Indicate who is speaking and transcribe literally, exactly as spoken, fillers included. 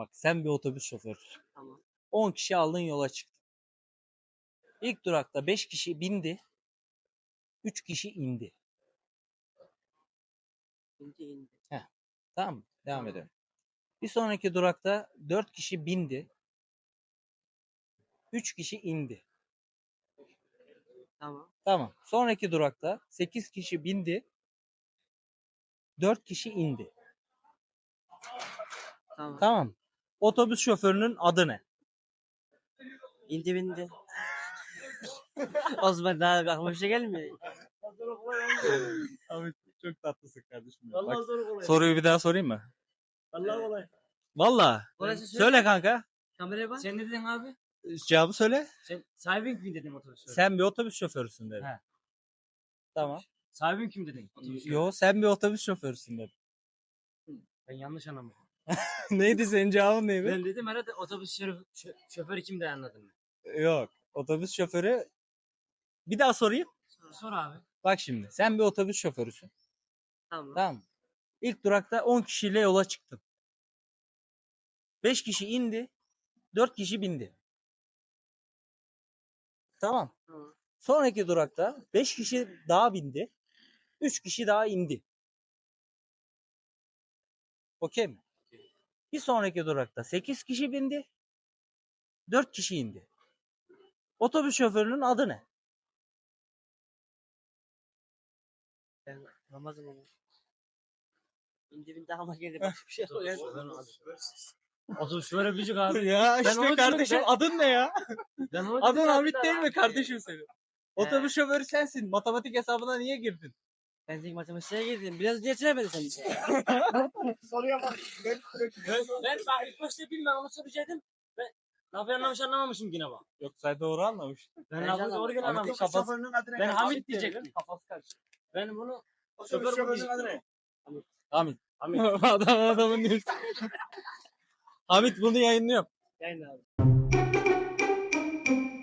Speaker 1: Bak sen bir otobüs şoförüsün.
Speaker 2: Tamam.
Speaker 1: on kişi aldın yola çıktın. İlk durakta beş kişi bindi. üç kişi indi.
Speaker 2: İndi indi.
Speaker 1: Heh, tamam mı? Devam
Speaker 2: Tamam.
Speaker 1: edelim. Bir sonraki durakta dört kişi bindi. üç kişi indi.
Speaker 2: Tamam.
Speaker 1: Tamam. Sonraki durakta sekiz kişi bindi. dört kişi indi.
Speaker 2: Tamam.
Speaker 1: Tamam. Otobüs şoförünün adı ne?
Speaker 2: İndi bindi. Osman daha aklıma bir şey gelmiyor.
Speaker 1: Abi çok tatlısın kardeşim.
Speaker 3: Vallahi
Speaker 1: Bak,
Speaker 3: zor kolay.
Speaker 1: soruyu bir daha sorayım mı?
Speaker 3: Vallahi kolay.
Speaker 1: Valla.
Speaker 2: Orası
Speaker 1: Söyle kanka.
Speaker 2: Kameraya bak.
Speaker 3: Sen ne dedin abi?
Speaker 1: Cevabı söyle.
Speaker 3: Sen sahibin kim dedin otobüs?
Speaker 1: Sen bir otobüs şoförüsün dedim.
Speaker 3: He.
Speaker 1: Tamam.
Speaker 3: Sahibin kim dedin? Otobüs
Speaker 1: Yo sen bir otobüs şoförüsün dedim.
Speaker 3: Ben yanlış anlamadım.
Speaker 1: Neydi senin cevabın neydi?
Speaker 3: Ben dedim herhalde otobüs şoförü, şö- şoförü kim de anladın.
Speaker 1: Yok. Otobüs şoförü. Bir daha sorayım.
Speaker 3: Sor, sor abi.
Speaker 1: Bak şimdi. Sen bir otobüs şoförüsün.
Speaker 2: Tamam.
Speaker 1: Tamam mı? İlk durakta on kişiyle yola çıktın. beş kişi indi. dört kişi bindi. Tamam.
Speaker 2: Tamam.
Speaker 1: Sonraki durakta beş kişi daha bindi. üç kişi daha indi. Okey mi? Bir sonraki durakta sekiz kişi bindi. dört kişi indi. Otobüs şoförünün adı ne?
Speaker 2: Ben Ramazan onu. İndi bindi ama geldi başka bir şey yok.
Speaker 3: Otobüs şoförü büyük abi.
Speaker 1: Ya
Speaker 3: Ben onu
Speaker 1: işte kardeşim
Speaker 3: düşündüm,
Speaker 1: adın ne ya?
Speaker 3: Ben onu
Speaker 1: Adın
Speaker 3: dedim
Speaker 1: Hamit
Speaker 3: zaten
Speaker 1: değil
Speaker 3: abi.
Speaker 1: mi kardeşim senin? Otobüs şoförü sensin. Matematik hesabına niye girdin?
Speaker 2: Ben tek matematiğe girdim. Biraz önce yetiremedin sen bizi.
Speaker 3: Ben, ben bak ilk başta bilmem ama söyleyecektim. Ben lafı yanlış anlamamışım yine bak.
Speaker 1: Yok sen doğru anlamış.
Speaker 3: Ben
Speaker 2: Ben
Speaker 3: lafı
Speaker 2: anlamadım.
Speaker 3: doğru gene
Speaker 1: Hamit'in
Speaker 3: anlamışım.
Speaker 1: kafası.
Speaker 3: Ben Hamit diyecektim.
Speaker 1: Kafası karıştı.
Speaker 3: Ben bunu
Speaker 4: Otobüs
Speaker 3: şoför
Speaker 4: şoförünün
Speaker 3: bunu
Speaker 4: adı ne?
Speaker 1: Hamit.
Speaker 3: Hamit.
Speaker 1: Adam adamın diyorsun. Hamit bunu yayınlıyor.
Speaker 2: Yayın abi.